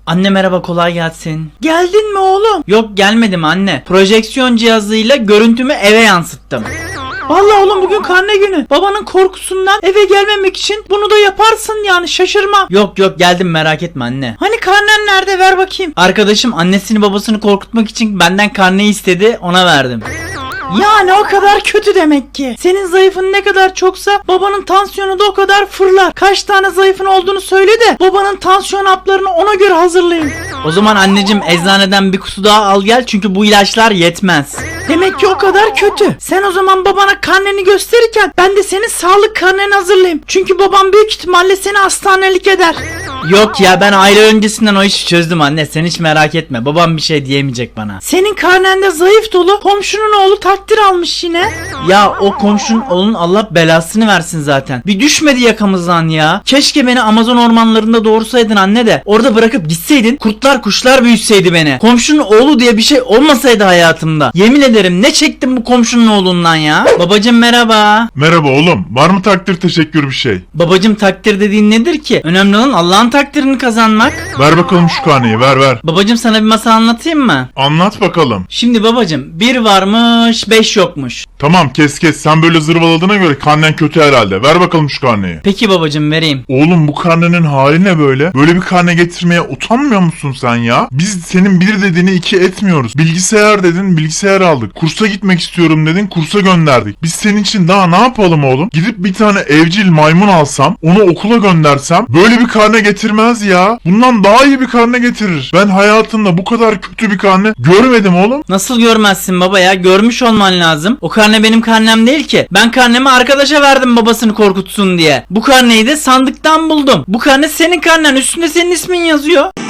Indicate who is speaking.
Speaker 1: Anne merhaba, kolay gelsin. Geldin mi oğlum? Yok, gelmedim anne. Projeksiyon cihazıyla görüntümü eve yansıttım. Vallahi oğlum bugün karne günü. Babanın korkusundan eve gelmemek için bunu da yaparsın yani, şaşırma. Yok geldim, merak etme anne. Hani karnen nerede, ver bakayım. Arkadaşım annesini babasını korkutmak için benden karneyi istedi, ona verdim. Yani o kadar kötü demek ki. Senin zayıfın ne kadar çoksa babanın tansiyonu da o kadar fırlar. Kaç tane zayıfın olduğunu söyle de babanın tansiyon haplarını ona göre hazırlayın. O zaman anneciğim eczaneden bir kutu daha al gel, çünkü bu ilaçlar yetmez. Demek ki o kadar kötü. Sen o zaman babana karneni gösterirken ben de senin sağlık karneni hazırlayayım. Çünkü babam büyük ihtimalle seni hastanelik eder. Yok ya, ben aile öncesinden o işi çözdüm anne, sen hiç merak etme, babam bir şey diyemeyecek bana. Senin karnende zayıf dolu, komşunun oğlu takdir almış yine. Ya o komşunun oğlunun Allah belasını versin zaten. Bir düşmedi yakamızdan ya. Keşke beni Amazon ormanlarında doğursaydın anne de orada bırakıp gitseydin, kurtlar kuşlar büyütseydi beni. Komşunun oğlu diye bir şey olmasaydı hayatımda. Yemin ederim ne çektim bu komşunun oğlundan ya. Babacım merhaba.
Speaker 2: Merhaba oğlum. Var mı takdir teşekkür bir şey?
Speaker 1: Babacım takdir dediğin nedir ki? Önemli olan Allah'ın takdirini kazanmak.
Speaker 2: Ver bakalım şu karneyi, ver.
Speaker 1: Babacım sana bir masal anlatayım mı?
Speaker 2: Anlat bakalım.
Speaker 1: Şimdi babacım, 1 varmış 5 yokmuş.
Speaker 2: Tamam kes sen böyle zırvaladığına göre karnen kötü herhalde. Ver bakalım şu karneyi.
Speaker 1: Peki babacım, vereyim.
Speaker 2: Oğlum bu karnenin hali ne böyle? Böyle bir karne getirmeye utanmıyor musun sen ya? Biz senin 1 dediğini 2 etmiyoruz. Bilgisayar dedin, bilgisayar aldık. Kursa gitmek istiyorum dedin, kursa gönderdik. Biz senin için daha ne yapalım oğlum? Gidip bir tane evcil maymun alsam, onu okula göndersem böyle bir karne getirmez ya. Bundan daha iyi bir karne getirir. Ben hayatımda bu kadar kötü bir karne görmedim oğlum.
Speaker 1: Nasıl görmezsin baba ya? Görmüş olman lazım. O karne benim karnem değil ki. Ben karnemi arkadaşa verdim babasını korkutsun diye. Bu karneyi de sandıktan buldum. Bu karne senin karnen. Üstünde senin ismin yazıyor.